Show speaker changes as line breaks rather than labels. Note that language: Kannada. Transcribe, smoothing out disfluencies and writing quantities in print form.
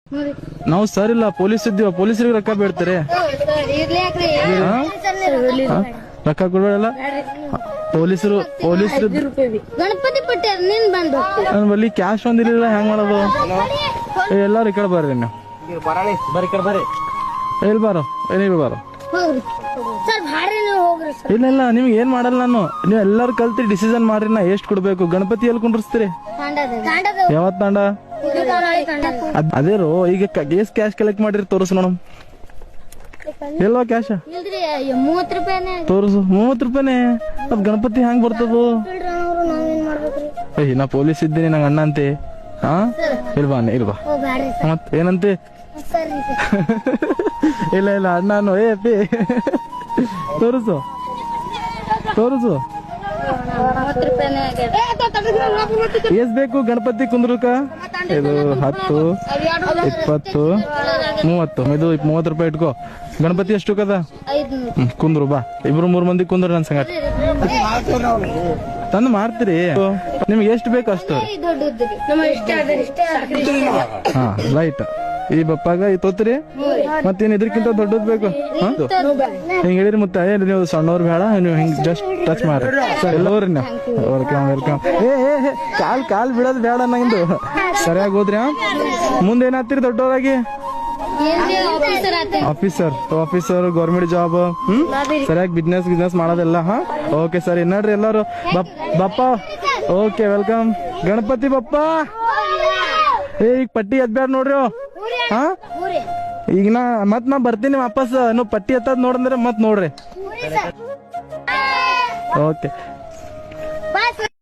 ನಾವು ಸರ್ ಇಲ್ಲ ಪೊಲೀಸ್ ಇದ್ದೀವ, ಪೊಲೀಸರಿಗೆ ರೊಕ್ಕ ಬೇಡ್ತಾರೆ. ರೊಕ್ಕ ಕೊಡಲ್ಲ ಪೊಲೀಸರು.
ಗಣಪತಿ ಪಟ್ಟಿ ನೀನ್ ಬಂದು
ನನ್ ಬಲ್ಲಿ ಕ್ಯಾಶ್ ಒಂದಿಲ್ಲ, ಹೆಂಗ್ ಮಾಡೋದು? ಎಲ್ಲಾರು ಈ ಕಡೆ ಬರ್ರಿ ನೀವು, ಎಲ್ಲಿ ಬಾರೋ, ಏನಿಲ್ಲ ಬಾರೋ. ಇಲ್ಲ ಇಲ್ಲ, ನಿಮ್ಗೆ ಏನ್ ಮಾಡಲ್ಲ ನಾನು. ನೀವ್ ಎಲ್ಲಾರು ಕಲ್ತಿ ಡಿಸಿಷನ್ ಮಾಡ್ರಿ, ನಾ ಎಷ್ಟ್ ಕೊಡ್ಬೇಕು? ಗಣಪತಿ ಎಲ್ಲಿ ಕುಂಡ್ರಿಸ್ತೀರಿ? ಯಾವತ್ ತಾಂಡ? ಅದೇ ರೋ, ಈಗ ಎಷ್ಟ್ ಕ್ಯಾಶ್ ಕಲೆಕ್ಟ್ ಮಾಡಿರಿ ತೋರಿಸ್ ನೋಡಮ್. ಎಲ್ಲೋ ಕ್ಯಾಶ
30 ರೂಪಾಯಿ
ತೋರಿಸು. 30 ರೂಪಾಯಿನೇ? ಅದ್ ಗಣಪತಿ ಹೆಂಗ್ ಬರ್ತದ? ಏಯ್, ನಾ ಪೊಲೀಸ್ ಇದ್ದೀನಿ, ನಂಗ ಅಣ್ಣ ಅಂತೆ. ಹಾ, ಇಲ್ವಾ ಮತ್ ಏನಂತೆ? ಇಲ್ಲ ಇಲ್ಲ, ಅಣ್ಣನು. ಏ ಅಪ್ಪಿ, ತೋರಿಸು. ಎಸ್ ಬೇಕು ಗಣಪತಿ ಕುಂದ್ರಕ? ಇದು 10, 20, 30. ಇದು 30 ರೂಪಾಯಿ ಇಟ್ಕೋ. ಗಣಪತಿ ಎಷ್ಟು ಕದ? ಕುಂದ್ರು ಬಾ, 2-3 ಮಂದಿ ಕುಂದ್ರು ನನ್ ಸಂಗಟ. ತಂದು ಮಾಡ್ತೀರಿ? ನಿಮ್ಗೆ ಎಷ್ಟು ಬೇಕು ಅಷ್ಟು? ಹಾ, ಲೈಟ್ ಈ ಬಪ್ಪಾಗ ಈ ತೋತ್ರಿ. ಮತ್ತೇನ್ ಇದ್ರಕ್ಕಿಂತ ದೊಡ್ಡದ್ ಬೇಕು? ಹಿಂಗ್ ಹೇಳಿರಿ ಮುತ್ತ. ಏನ್ ನೀವು ಸಣ್ಣವ್ರು ಬೇಡ, ನೀವು ಹಿಂಗ್ ಜಸ್ಟ್ ಟಚ್ ಮಾಡ್ರಿ. ಎಲ್ಲೋರಿ ನೀವು. ವೆಲ್ಕಮ್. ಕಾಲ್ ಬಿಡೋದ್ ಬೇಡ ನಂದು. ಸರಿಯಾಗಿ ಹೋದ್ರಿ. ಮುಂದೇನಾಗ್ತೀರಿ ದೊಡ್ಡವರಾಗಿ? Officer government job. ಸರಿಯಾಗಿ ಬಿಸ್ನೆಸ್ ಮಾಡೋದೆಲ್ಲ. ಹಾ, ಓಕೆ ಸರಿ. ನೋಡ್ರಿ ಎಲ್ಲಾರು ಬಪ್ಪ. Okay, welcome. ಗಣಪತಿ ಬಪ್ಪ. ಈಗ ಪಟ್ಟಿ ಎದ್ಬ್ಯಾಡ ನೋಡ್ರಿ. ಹಾ, ಈಗ ನಾ ಬರ್ತೀನಿ ವಾಪಸ್. ನೀವು ಪಟ್ಟಿ ಎತ್ತದ್ ನೋಡಂದ್ರೆ ಮತ್ ನೋಡ್ರಿ. ಓಕೆ.